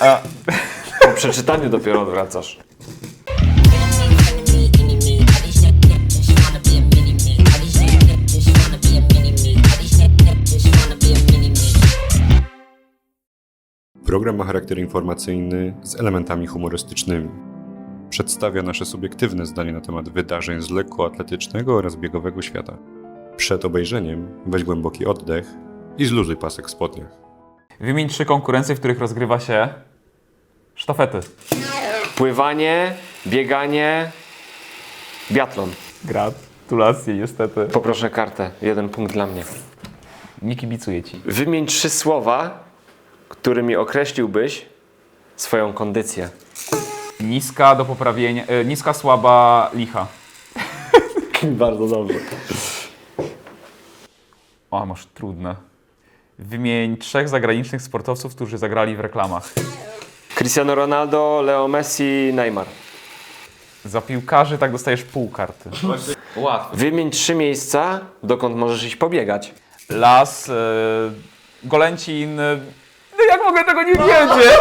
Po przeczytaniu dopiero odwracasz. Program ma charakter informacyjny z elementami humorystycznymi. Przedstawia nasze subiektywne zdanie na temat wydarzeń z lekkoatletycznego oraz biegowego świata. Przed obejrzeniem weź głęboki oddech i zluzuj pasek w spodniach. Wymień 3 konkurencje, w których rozgrywa się sztafety. Pływanie, bieganie, biatlon. Gratulacje, niestety. Poproszę kartę. 1 punkt dla mnie. Nie kibicuję ci. Wymień 3 słowa, którymi określiłbyś swoją kondycję. Niska do poprawienia, niska, słaba, licha. Bardzo dobrze. O, masz trudne. Wymień 3 zagranicznych sportowców, którzy zagrali w reklamach. Cristiano Ronaldo, Leo Messi, Neymar. Za piłkarzy tak dostajesz pół karty. Łatwo. Wymień 3 miejsca, dokąd możesz iść pobiegać. Las, Golęcin. No jak mogę tego nie wiedzieć?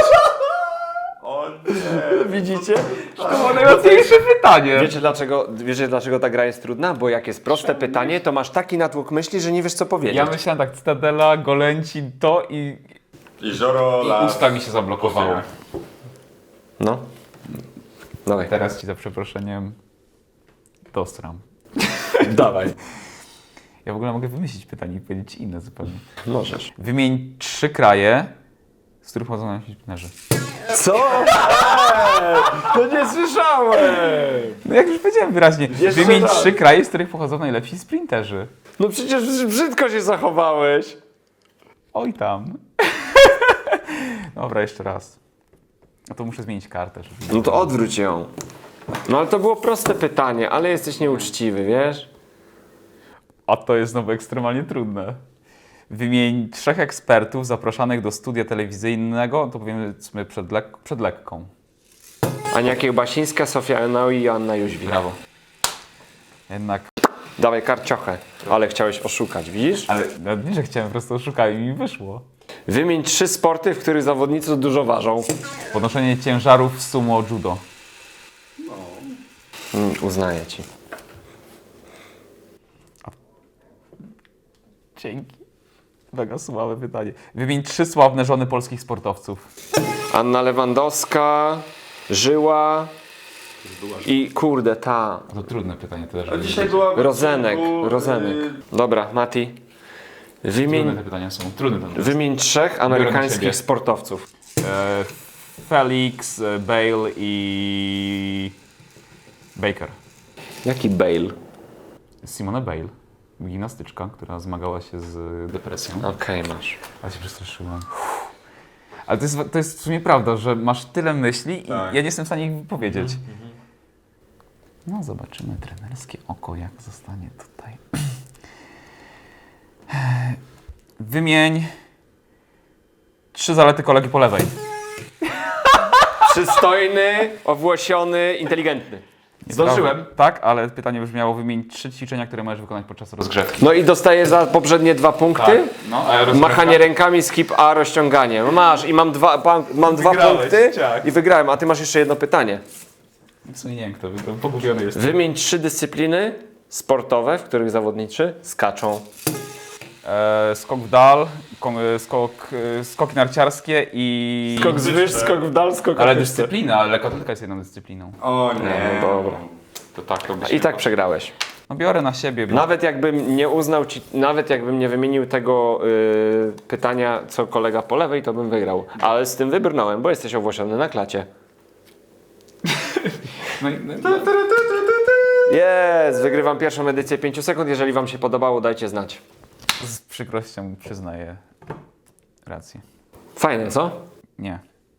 Widzicie? To było najłatwiejsze pytanie. Wiecie dlaczego ta gra jest trudna? Bo jak jest proste pytanie, to masz taki natłok myśli, że nie wiesz co powiedzieć. Ja myślałem tak, Cytadela, Golęcin, to i Jezioro, las. usta mi się zablokowało. No. Dawaj. Teraz ci za przeproszeniem dostram. Dawaj. Ja w ogóle mogę wymyślić pytanie i powiedzieć inne zupełnie. Możesz. Wymień 3 kraje, z których pochodzą nasi piłkarze. Co? To nie słyszałem! No jak już powiedziałem wyraźnie, Jeszcze wymień raz. 3 kraje, z których pochodzą najlepsi sprinterzy. No przecież brzydko się zachowałeś. Oj tam. Dobra, jeszcze raz. No to muszę zmienić kartę. Żeby... No to odwróć ją. No ale to było proste pytanie, ale jesteś nieuczciwy, wiesz? A to jest znowu ekstremalnie trudne. Wymień 3 ekspertów zapraszanych do studia telewizyjnego, to powiedzmy przed lekką. Ania Kiełbasińska, Sofia Enoi i Joanna Jóźwik. Brawo. Jednak, Dawaj karciochę. Ale chciałeś oszukać, widzisz? ale no, nie, że chciałem, po prostu oszukałem i mi wyszło. Wymień 3 sporty, w których zawodnicy dużo ważą. Podnoszenie ciężarów w sumo judo. Uznaję ci. Dzięki. Mega słabe pytanie. Wymień 3 sławne żony polskich sportowców. Anna Lewandowska, Żyła i kurde ta... To trudne pytanie też. Dzisiaj była... Rozenek. Dobra, Mati. Trudne te pytania są. Trudne to Wymień 3 siebie. amerykańskich sportowców. Felix, Bale i Baker. Jaki Bale? Simone Bale. Gimnastyczka, która zmagała się z depresją. Okej, masz. Ale się przestraszyłem. Ale to jest w sumie prawda, że masz tyle myśli Tak. i ja nie jestem w stanie ich wypowiedzieć. No zobaczymy, trenerskie oko jak zostanie tutaj. Wymień 3 zalety kolegi po lewej. Przystojny, owłosiony, inteligentny. Zdążyłem. Tak, ale pytanie brzmiało: wymień 3 ćwiczenia, które możesz wykonać podczas rozgrzewki. No i dostaję za poprzednie 2 punkty. No, a Machanie rękami, skip A, rozciąganie. No masz i mam 2 Wygrałeś, punkty tak. i wygrałem, a ty masz jeszcze jedno pytanie. W sumie nie wiem kto, to pogubiony jest. Wymień 3 dyscypliny sportowe, w których zawodnicy skaczą. Skok w dal, skoki narciarskie i... Skok zwyż, skok w dal, skok Ale w dyscyplina, ale lekkoatletyka jest jedną dyscypliną. O nie. No dobra. To tak to by I tak przegrałeś. No biorę na siebie. Nawet jakbym nie uznał ci, nawet jakbym nie wymienił tego pytania, co kolega po lewej, to bym wygrał. Ale z tym wybrnąłem, bo jesteś owłosiony na klacie. Jest! Wygrywam pierwszą edycję 5 sekund. Jeżeli wam się podobało, dajcie znać. Z przykrością przyznaję rację. Fajne, co? Nie.